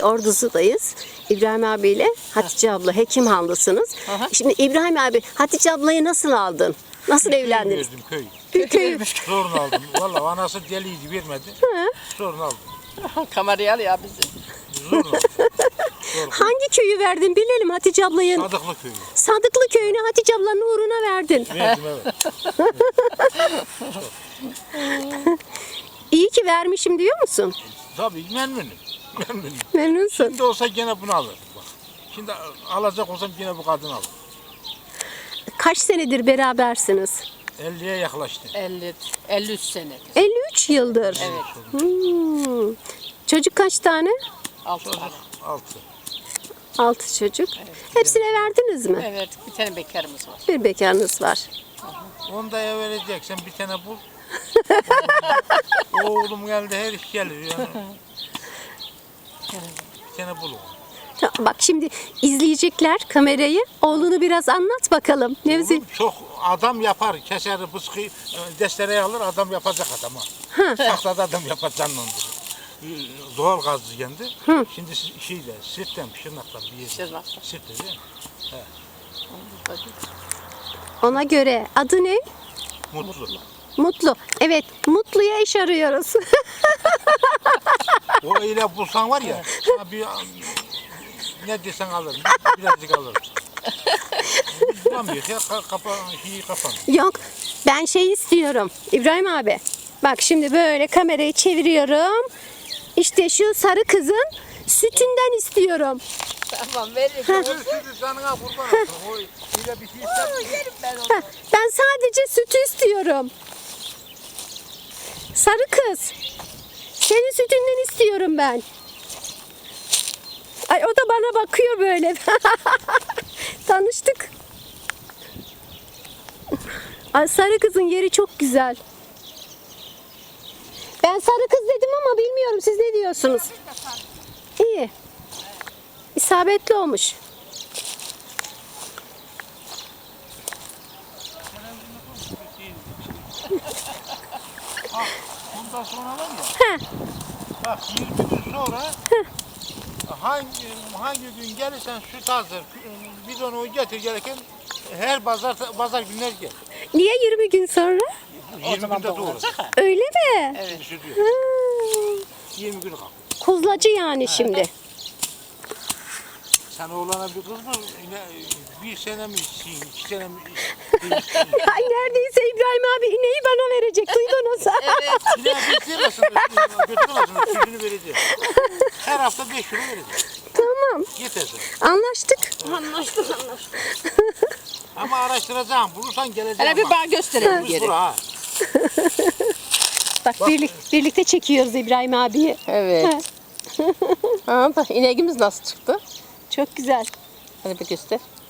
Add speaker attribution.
Speaker 1: Ordu'dayız. İbrahim abiyle Hatice abla Hekimhanlısınız.
Speaker 2: Aha.
Speaker 1: Şimdi İbrahim abi Hatice ablayı nasıl aldın? Nasıl evlendiniz?
Speaker 3: Verdim köy.
Speaker 1: Köy.
Speaker 3: Sorun aldım. Vallahi anası deliydi vermedi. Sorun aldım.
Speaker 2: Kamerayı al ya bizi.
Speaker 3: Zorla.
Speaker 1: Hangi köyü verdin bilelim Hatice ablayı?
Speaker 3: Sadıklı köyü.
Speaker 1: Sadıklı köyünü Hatice ablanın uğruna verdin.
Speaker 3: Verdim evet.
Speaker 1: İyi ki vermişim diyor musun?
Speaker 3: Tabii memnunum. Memnunum.
Speaker 1: Memnunsun.
Speaker 3: Şimdi olsa gene bunu alırım. Bak. Şimdi alacak olsam gene bu kadını alırım.
Speaker 1: Kaç senedir berabersiniz?
Speaker 3: 50'ye yaklaştı.
Speaker 2: 53 senedir.
Speaker 1: 53 yıldır.
Speaker 2: Evet.
Speaker 1: Hmm. Çocuk kaç tane?
Speaker 2: 6 tane.
Speaker 3: 6.
Speaker 1: 6 çocuk. Hepsine verdiniz mi?
Speaker 2: Evet, bir tane bekarımız var.
Speaker 1: Bir bekarınız var.
Speaker 3: Onu da vereceksen bir tane bul. Oğlum geldi her iş gelir yani. Bir tane bul onu.
Speaker 1: Bak şimdi izleyecekler kamerayı. Oğlunu biraz anlat bakalım. Nevzi.
Speaker 3: Oğlum çok adam yapar. Keser, bıskı, destereyi alır adam yapacak adama. Tahtada adam yapacaksın onu. Doğal gazlı kendi. Şimdi şeyle, sirtten, şırnaktan bir yer.
Speaker 2: Şırnaktan.
Speaker 3: Sirtte değil mi?
Speaker 1: Ona göre adı ne?
Speaker 3: Mutlu.
Speaker 1: Mutlu. Evet, Mutlu'ya eş arıyoruz.
Speaker 3: O ile bulsan var ya, sana bir ne desen alırım, birazcık alırım. Bulamıyor ya, kapan.
Speaker 1: Yok, ben şey istiyorum. İbrahim abi. Bak şimdi böyle kamerayı çeviriyorum. İşte şu sarı kızın sütünden istiyorum.
Speaker 2: Tamam, veririm.
Speaker 3: Sütü canına kurban olsun. O ile bir şey ister.
Speaker 2: Yerim ben onu.
Speaker 1: Heh, ben sadece sütü istiyorum. Sarı kız. Senin sütünden istiyorum ben. Ay o da bana bakıyor böyle. Tanıştık. Ay, sarı kızın yeri çok güzel. Ben sarı kız dedim ama bilmiyorum siz ne diyorsunuz? İyi. İsabetli olmuş.
Speaker 3: Bundan sonra var ya,
Speaker 1: Heh.
Speaker 3: bak 20 gün sonra hangi gün gelirsen süt hazır, biz onu getir gereken her pazar günler gel.
Speaker 1: Niye 20 gün sonra?
Speaker 3: 20 günde doğru.
Speaker 1: Öyle mi?
Speaker 2: Evet.
Speaker 3: Süt diyor.
Speaker 1: Ha,
Speaker 3: 20 gün kalk.
Speaker 1: Kuzlacı yani şimdi.
Speaker 3: Sen oğlana bir kız mı? Yine bir sene mi isteyin, 2 sene mi
Speaker 1: Ay neredeyse İbrahim abi ineği bana verecek. Duydunuz.
Speaker 2: Evet.
Speaker 3: Yine bir senesin, götüremezsin, sütünü vereceğim. Her hafta 5 kilo vereceğim.
Speaker 1: Tamam.
Speaker 3: Yeter sana.
Speaker 1: Anlaştık.
Speaker 2: Anlaştık.
Speaker 3: Ama araştıracağım, bulursan geleceğim.
Speaker 2: Hele bir bana gösterelim
Speaker 3: Biz
Speaker 2: geri.
Speaker 3: bura ha.
Speaker 1: Bak birlikte çekiyoruz İbrahim abiyi.
Speaker 2: Evet. Ha, bak ineğimiz nasıl çıktı?
Speaker 1: Çok güzel.
Speaker 2: Hadi bir göster.